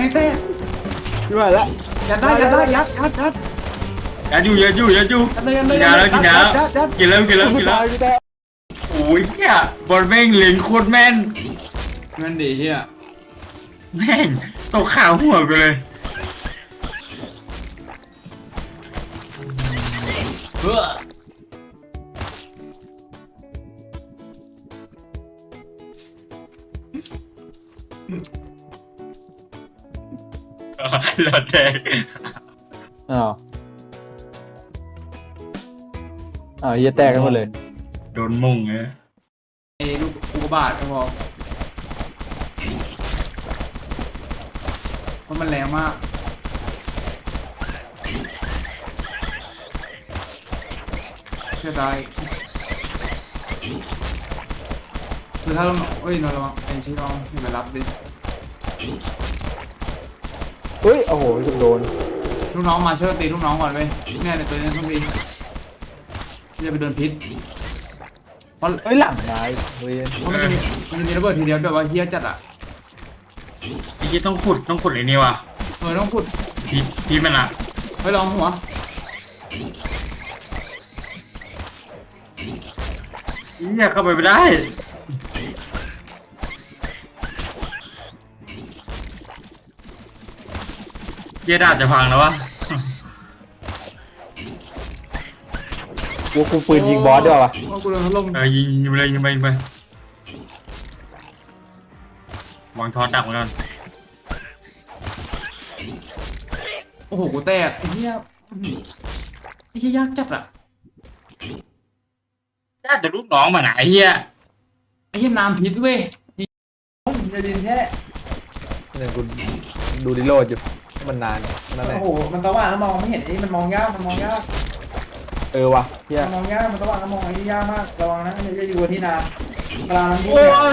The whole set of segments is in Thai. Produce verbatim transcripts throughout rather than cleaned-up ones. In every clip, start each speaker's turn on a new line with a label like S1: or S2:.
S1: เต้
S2: ด้วยละ
S1: ยัดได้ยัดได้ยัดยัดยัด
S3: ยัดอยู่ยัดอยู่ยัดอยู่กินยาแล้วกินยาแล้วกินแล้วกินแล้วกินแล้วโอ้ยเนี่ยบอลแม่งเล็งโคตรแม่น
S1: เงินดีเฮีย
S3: แม่งตกข่าวหัวไปเลย
S1: เฮ้อ
S3: หลอดแตก
S2: อ้าวอ้าวเหี้ยแตกกันหมดเลย
S3: โดนมุ่งไง
S1: ไอ้ลูกอุกกาบาตก็พอเพราะมันแรงมากเชื่อใจคือถ้าเราเอ้ยเราลองเอ็นชีลองอยู่ไปรับดิ
S2: เฮ้ยโอ้โหโดน
S1: ลูกน้องมาเชิญตีลูกน้องก่อนเว้ยเนี่ยเดี๋ยวตัวนี้ต้องดีจะไปโดนพิษเพราะ
S2: เฮ้ยหลังนายเฮ้ย
S1: เพราะมันจะมีมันจะมีระเบิดทีเดียวแบบว่าเฮี้ยจัดอ่ะ
S3: พี่ต้องขุดต้องขุดไอ้นี่ว่ะ
S1: เออต้องขุด
S3: พี่พี่มันอ่ะ
S1: เฮ้ยลองหัว
S3: เนี่ยเข้าไปไม่ได้เยดาจะพังแล้ววะ
S2: กูกูปืนยิงบอสด้วยวะ
S1: กูโดนเขาลง
S3: เออยิงยิงไปเลยยิงไปยิงไปวางทอนดักไว้ก่อน
S1: โอ้โหกูแตกไอ้เหี้ยไอ้เหี้ยยากจัดอ่ะ
S3: ยากแต่ลูกน้องมันไหนเฮีย
S1: ไอ้เหี้ยน้ำพิษเว้ยจะดินแค่
S2: เนี่ยกูดูดิโลดอยู่มันนานนั่นแหละ
S1: โอ้โหมันตะวันแล้วมองไม่เห็นไอ้มันมองยากมันมองยาก
S2: เออวะเฮีย
S1: มันมองยากมันตะวันแล้วมองไอ้ยากมากระวังนะอย่าอยู่ที่นานกลางนี่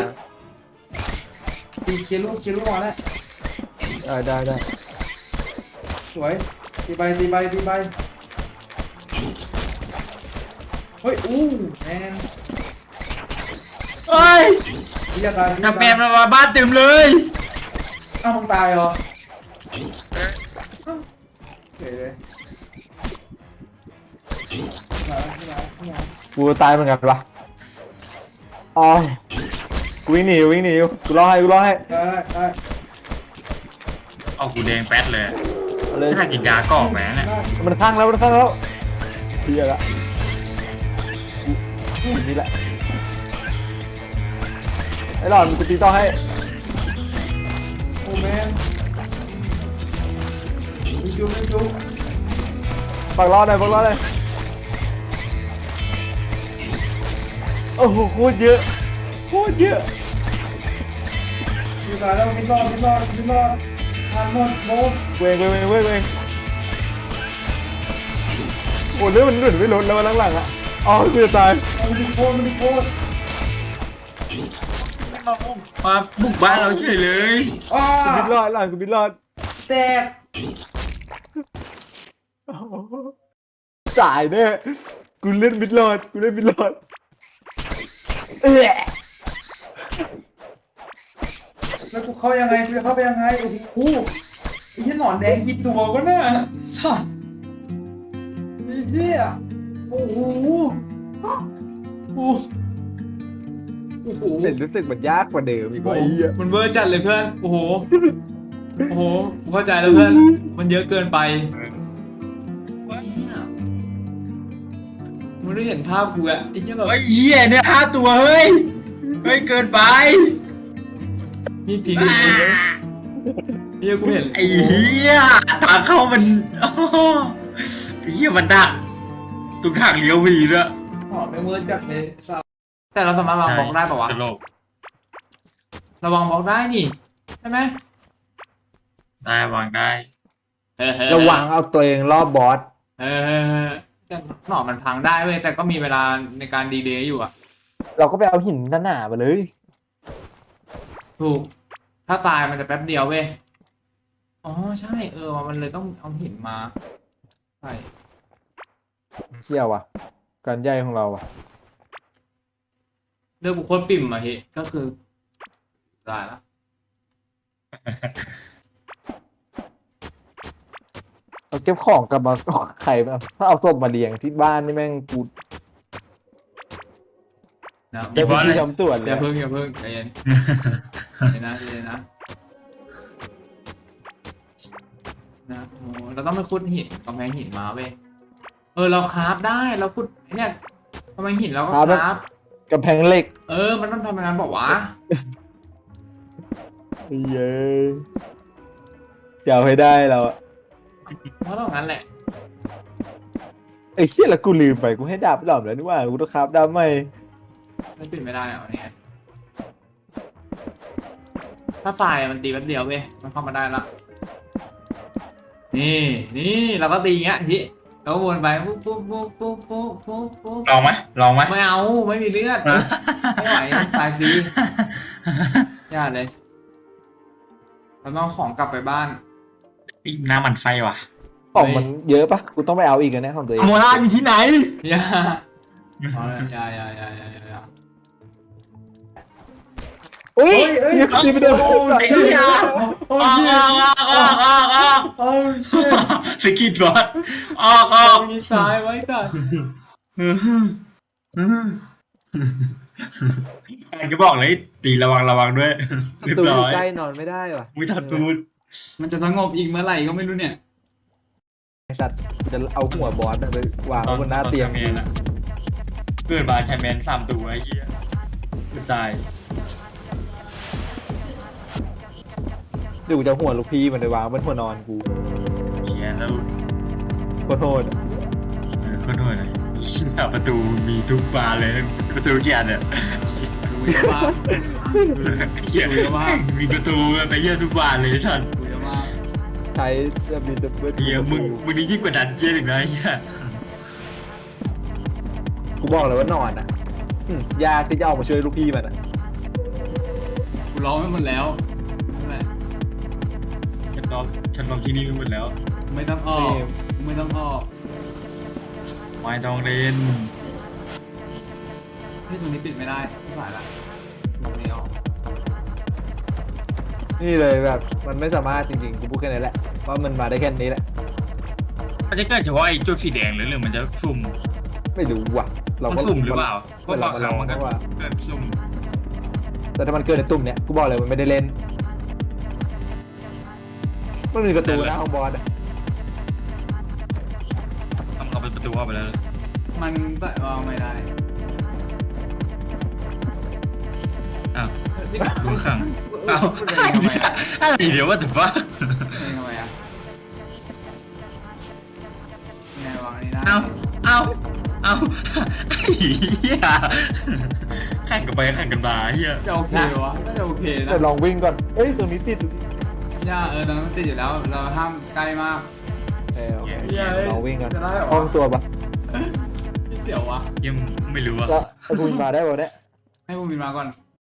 S1: ตีเชียร์ลูกเชียร์ลูกมาแล้ว
S2: ได้ได้ได้
S1: สวยตีใบตีใบตีใบเฮ้ยอู้แอน
S3: เฮ้ยนับแมนมาบ้านเต็มเลย
S1: อ้าวมึงตายเหรอเฮ้ย
S2: กูตายเหมือนกันปะอ๋อกูวิ่งหนีวิ่งหนีกูรอให้กูรอให้
S1: ได้ได้
S3: เอากูแดงแป๊ดเลยเลยถ้ากินยาก็ออกแหมเนี่ย
S2: มันข้างแล้วมันข้างแล้วเฮียละนี่แหละไอ้หลอนกูตีต่อให้
S1: โอ้แมนมีจุ๊บมีจุ๊บ
S2: ปักรอดเลยปักรอดเลยโอ้โหโคตรเยอะโคตรเยอะ
S1: อยู่ตายแล้วมิดรอดมิดรอดมิดรอดทานหมดโบ
S2: เวงเวงเวงเวงเวงโอ้เรื่องมันหลุดไม่ลดแล้ววันหลังๆอ่ะอ๋อกูจะตาย
S1: มันดีโคตรมันดีโคตร
S3: มาบุกบ้านเราเฉยเลย
S1: อ้า
S2: กูบินรอดหลังกูบินรอด
S1: แตก
S2: ตายแน่กูเล่นบินรอดกูเล่นบินรอดเอ๊ะ
S1: แล้วกูเข้ายังไงกูจะเข้าไปยังไงโอ้โหไอ้เหี้ยหนอนแดงกี่ตัวก็น่ะสัสไอ้เหี้ยโอ้โหโอ้โหโอ้โห
S2: เห็นรู้สึกมันยากกว่าเดิมอีกว่าไอ้เหี้ย
S1: มันเวอร์จัดเลยเพื่อนโอ้โหโอ้โหเข้าใจแล้วเพื่อนมันเยอะเกินไปมึงได้เห็นภาพกูอะไอ้เหี้ยแบบ
S3: ไอ้เหี้ยเนี่ยห้าตัวเฮ้ยเฮ้ยเกินไป
S1: นี่จริงจริงเหี้ยกูเห็น
S3: ไอ้เหี้ยทางเข้ามันไอ้เหี้ยมันดักตรงทางเลี้ยววีด้วย
S1: อ๋อไม่เวอร์จัดเลยแต่เราสามารถวางบล็อกได้ป่าวะเราวางบล็อกได้นี่ใช่ไหม
S3: ได้วางได้
S2: ระวังเอาตัวเองรอบบอส
S1: เออแต่หน่อมันพังได้เว้ยแต่ก็มีเวลาในการดีเลย์อยู่อะ
S2: เราก็ไปเอาหินหนาๆมาเลย
S1: ถูกถ้าทรายมันจะแป๊บเดียวเว้ยอ๋อใช่เออมันเลยต้องเอาหินมาใช่
S2: เที่ยวว่ะการใหญ่ของเราอ่ะ
S1: เรื่องบุคคลปิ่มอะเฮ้ก็คือได้แล้ว
S2: เอาเก็บของกลับมาใครบ้างถ้าเอาศพมาเลี้ยงที่บ้านนี่แม่งกู
S1: นะ
S2: เดี๋ยวพี่ทำตรวจเล
S1: อย ย่าเพิ่งอย่าเพิ่งใจเย็นใจเย็นนะใจเย็นนะนะโอ้เราต้องไปขุดหินกำแพงหินมาเว้ยเออเราคราฟได้เราขุดไอ้เนี่ยกำแพงหินเราก็คราฟ
S2: กำแพงเหล็ก
S1: เออมันต้องทำงานบอกว่า
S2: เย้จะเอาให้ได้เราอะ
S1: เพราะต้องงั้นแหละ
S2: ไอ้เชี่ยแล้วกูลืมไปกูให้ดาบดอบแล้วนี่ว่ากูต้องคราฟดาบใหม่
S1: ไม่ปิดไม่ได้อะวันนี้ถ้าทรายมันตีแป๊บเดียวเว้ยมันเข้ามาได้ละนี่นี่เราก็ตีอย่างเงี้ยทีเราก็วนไปปุ๊บปุ๊บปุ๊บปุ๊บปุ๊บปุ๊บปุ๊บ
S3: ลองไหมลองไหม
S1: ไม่เอาไม่มีเลือดไม่ไหวตายฟรียากเลยเราต้องเอาของกลับไปบ้าน
S3: อีน้ำมันไฟว่ะ
S2: ของมันเยอะปะกูต้องไปเอาอีกนะเนี่ยของตัวเอง
S3: โมล่าอยู่ที่ไหน
S1: อย่าเอาเลยอย่าอย่าอย่าอย่าอย่า
S2: อุ้ย
S1: เฮ้ย
S2: ยิงยิงไปโดน
S1: โอ้ย
S3: ไอ้เหี้ย
S1: โอ้
S3: ออก
S1: ย
S3: ออกออกออกออกออก
S1: โอ้ยเชี่ย
S3: สกิดบอสออกออก
S1: มีซ้ายไว้ก่อน
S3: แอนก็บอกเลยตีระวังระวังด้วยเรียบ
S2: ตัว
S3: ร้อย
S2: ใกล้นอนไม่ได้ว่ะ
S3: มุ้ยทัดตูด
S1: มันจะสงบอีกเมื่อไหร่ก็ไม่รู้เนี่ย
S2: ไอ้สัตว์จะเอาหัวบอสไปวางไว้บนหน้าเตียง
S3: แมนอะเกิดมาใช้แมนสามตัวไอ้เหี้ยตาย
S2: เดี๋ยวกูจะเอาหัวลูกพี่มันไปวางบนหัวนอนกู
S3: เขียนแล้ว
S2: โคตรโทษอะ
S3: เออขอโทษนะประตูมีทุกบานเลยประตูเกียร์เนี่ย
S1: ดูเยอะมาก
S3: เกียร์มีประตูไปเยอะทุกบานเลยท่าน
S1: ดูเยอะมาก
S2: ใช้จะมีจะเบิด
S3: เฮียมึงมึงนี่ยิ่งกว่าดันเจียนอีกนะเฮีย
S2: กูบอกเลยว่านอนอ่ะอืมยากที่จะออกมาช่วยลูกพี่มันอ่ะ
S1: กูร้องไม่หมดแล้วนั่นแหละ
S3: ฉันรอฉันรอที่นี่ไปหมดแล้ว
S1: ไม่ต้องออกไม่ต้องออก
S3: ไม่ต้องเล่น
S1: ที่ตรงนี้ปิดไม่ได้ไม่ผ่านละไม่ออก
S2: นี่เลยแบบมันไม่สามารถจริงๆกูพูดแค่นี้แหละว่ามันมาได้แค่นี้แหละ
S3: มันจะเกิดเฉพาะไอ้จุดสีแดงหรือหรือมันจะสุ่ม
S2: ไม่รู้ว่ะ
S3: มัน
S2: ก็
S3: สุ่มหรือเปล่าก็
S2: มัน
S3: บางครั้งมันก็
S2: ว่า
S3: เกิดสุ่ม
S2: แต่ถ้ามันเกิดในตุ่มเนี้ยกูบอกเลยมันไม่ได้เล่นมันมีประตูนะของบอสอะ
S3: ทำเข้าไปประตูเข้าไปแล้ว
S1: มันใส่วางไม่ได้
S3: อ้าวดูขังอ้าวอะไรเดี๋ยวว่าแต่ว่า
S1: นี่ทำไมอ่ะไงวางอันนี้ได้
S3: เอาเอาเอาเฮียแข่งกันไปแข่งกันมาเฮีย
S1: จะโอเควะน่าจะโอเคนะ
S2: แต่ลองวิ่งก่อนเอ้ยตรงนี้ติด
S1: ย่าเออตอนนั้นมันติดอยู่แล้ว เราห้ามใกล้มาก
S2: เออโอเค
S1: เหี้ย
S2: ลองวิ่งก่อน
S1: จะได้เหรอ
S2: ห้องตัวปะ
S1: ที่เสียววะ
S3: ยังไม่รู้อะ
S2: แล้วไอ้กูมาได้ป่ะเนี่ย
S1: ให้พวกมินมาก่อน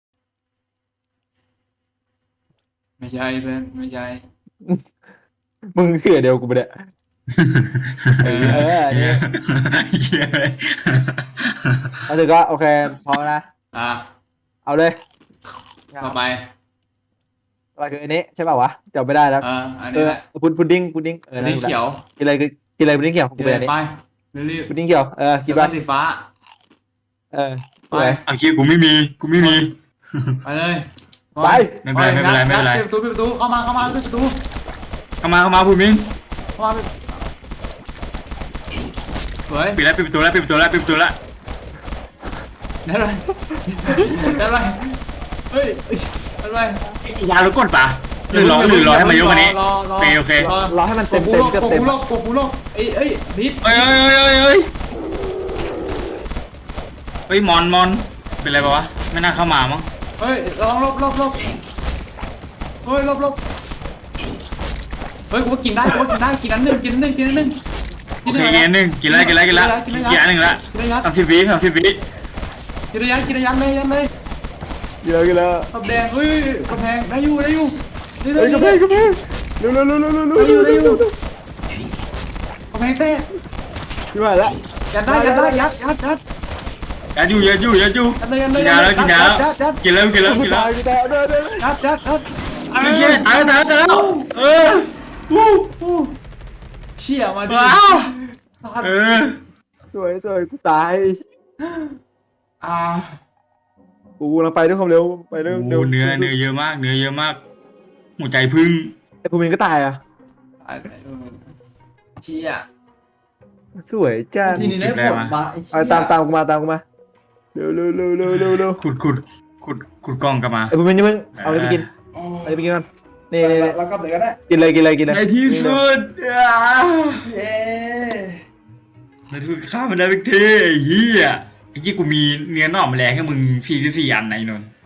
S1: ไม่ใช่เพื่อนไม่ใช่
S2: มึงเชื่อเดียวกูไปะเนี่ย เออเอออันนี้
S3: เฮีย
S2: เอาถึงก็โอเคพอนะ
S1: อ่ะ
S2: เอาเลย
S1: ต่อไป
S2: อะไรคืออันนี้ใช่ป่าววะจำไม่ได้แล้ว
S1: เอออัน
S2: เอ
S1: นี้
S2: อ
S1: แหละ
S2: พุดพุดดิ้งพุดดิ้งเออ
S1: อันนี้เขียว
S2: กินอะไรกินอะไรพุดดิ้งเขียวกู
S1: กิน
S2: เป็น
S1: เล
S2: อัน
S1: ย
S2: นี้
S1: ไปรีบ
S2: พุดดิ้งเขียวเออ
S1: ๆ
S2: กิน
S1: แล้ว
S2: ป่ะ
S1: ก็สีฟ้า
S2: เออ
S1: ไป
S2: ไป
S3: เอาคิวกูไม่มีกูไม่มี
S1: ไปเลย
S2: ไป
S3: ไม่เป็นไรไม่เป็นไรไม่เป็นไร
S1: ปิดประตูปิดประตูเข้ามาเข้ามาปิดประตู
S3: เข้ามาเข้ามาพูดมิง
S1: เข้ามาปิดสวย
S3: ปิดแล้วปิดประตูแล้วปิดประตูแล้วปิดประตูแล้ว
S1: ได้เลยได้เลยเฮ้ยได้เลย
S3: ยาแล้วกดปะหรือรอหรือรอให้มันยกอันนี้
S1: รอรอ
S3: โอเคโอเค
S1: รอ
S2: รอให้มัน
S1: ก
S2: เต็
S1: ด
S2: ม
S1: ปู
S2: เต็ม
S1: โลก
S2: เต็ม
S1: กด
S2: เต็ม
S1: ปูโลกกดปูโลกเอ้ยเอ้ยนิด
S3: เอ้ยเอ้ยเอ้ยเอ้ยเฮ้ยมอนมอนเป็นไรปะวะไม่น่าเข้ามามั้ง
S1: เฮ้ยลองลบลบลบเฮ้ยลบลบเฮ้ยกูว่ากินได้กูว่ากินได้กินอันหนึ่งกินอันหนึ่งกินอันหนึ่ง
S3: โอเคกินอันหนึ่งกินแล้วกินแล้วกินแล้วกินอันหนึ่งละ
S1: กินระยะ
S3: สามสิบวิสามสิบวิ
S1: กินระยะกินระยะเลยยันเลย
S2: กินแล้วกินแล้ว
S1: ตับแดงเฮ้ยกระแพงได้อยู่ได้อยู่ได้
S2: เฮ้ยกระเพงกระเพงเร็วเร็วเร็วเร็วเร็วเร็ว
S1: ได้อยู่ได้อยู่กระแพงเต้
S2: ขึ้นมาแล้ว
S1: ยัดได้ยัดได้ยัดยัดยัด
S3: ยัดอยู่ยัดอยู่ยัดอยู่
S1: ยัดเลยยัดเลย
S3: กินยาแล้วกินยาแล้ว
S1: ยัดยัด
S3: กินแล้วกินแล้วกินแล้ว
S2: ตายกูตายเด้อเด้อ
S1: ยัดยัดยัด
S3: ไม่ใช่ตายแล้วตายแล้วตายแล้วเออ
S1: อู้อู้เชี่ชี่ยมาดิ
S3: ว้าวเออ
S2: สวยสวยกูตาย
S1: อ่า
S2: กูกำลังไปด้วยความเร็วไปเร็ว
S3: โอ้
S2: เร็ว
S3: เนื้อเนื้อเยอะมากเนื้อเยอะมากหัวใจพึ่ง
S2: ไอ้ภูมินก็ตายอ่ะ
S1: ตายไปเออเชี่ย
S2: สวยจ้า
S1: ทีนี้ได้ผลมาไอ้เชี่
S2: เอา
S1: ย
S2: ตามตามกูมาตามกูมาเร็วเร็วเร็วเร็วเร็วเร็ว
S3: ขุดขุดขุดขุดกล้องกลับมา
S2: ไอ้ภูมินนี่มึงเอาอะไรไปกิน
S1: อ๋อ
S2: เอาอะไรไปกินก่อนนี่
S1: เรา
S2: นี่
S1: เราก็เดี๋ยวก็ได้
S2: กินเลยกินเลยกินเลย
S3: ในที่สุดอ่า
S1: เย้
S3: ในที่สุดข้ามันได้เป็นเทไอ้เหี้ยไอ้ยี่กูมีเนื้อหน่อมแมลงให้มึงสี่สิบสี่อันไหนนนท์